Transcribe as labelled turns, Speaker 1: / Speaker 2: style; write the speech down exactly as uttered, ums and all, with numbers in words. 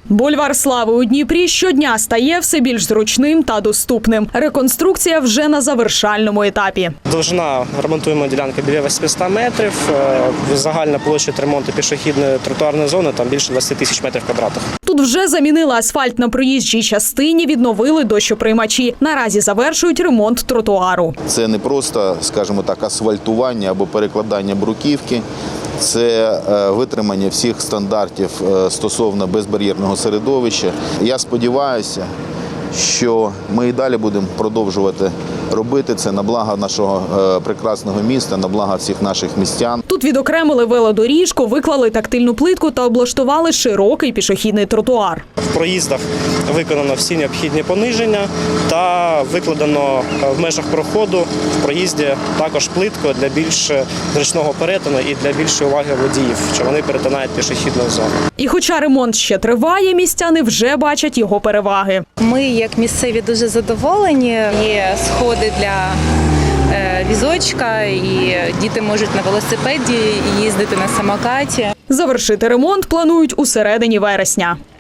Speaker 1: Бульвар Слави у Дніпрі щодня стає все більш зручним та доступним. Реконструкція вже на завершальному етапі.
Speaker 2: Довжина ремонтуємо ділянки біля восьмисот метрів. Загальна площа ремонту пішохідної тротуарної зони там більше двадцяти тисяч метрів квадратних.
Speaker 1: Тут вже замінили асфальт на проїжджій частині, відновили дощоприймачі. Наразі завершують ремонт тротуару.
Speaker 3: Це не просто, скажімо так, асфальтування або перекладання бруківки. Це витримання всіх стандартів стосовно безбар'єрного середовища. Я сподіваюся, що ми і далі будемо продовжувати робити це на благо нашого прекрасного міста, на благо всіх наших містян.
Speaker 1: Тут відокремили велодоріжку, виклали тактильну плитку та облаштували широкий пішохідний тротуар.
Speaker 2: В проїздах виконано всі необхідні пониження та викладено в межах проходу в проїзді також плитку для більш зручного перетину і для більшої уваги водіїв, що вони перетинають пішохідну зону.
Speaker 1: І хоча ремонт ще триває, містяни вже бачать його переваги.
Speaker 4: Ми, як місцеві, дуже задоволені. Є сходи для візочка, і діти можуть на велосипеді їздити на самокаті.
Speaker 1: Завершити ремонт планують у середині вересня.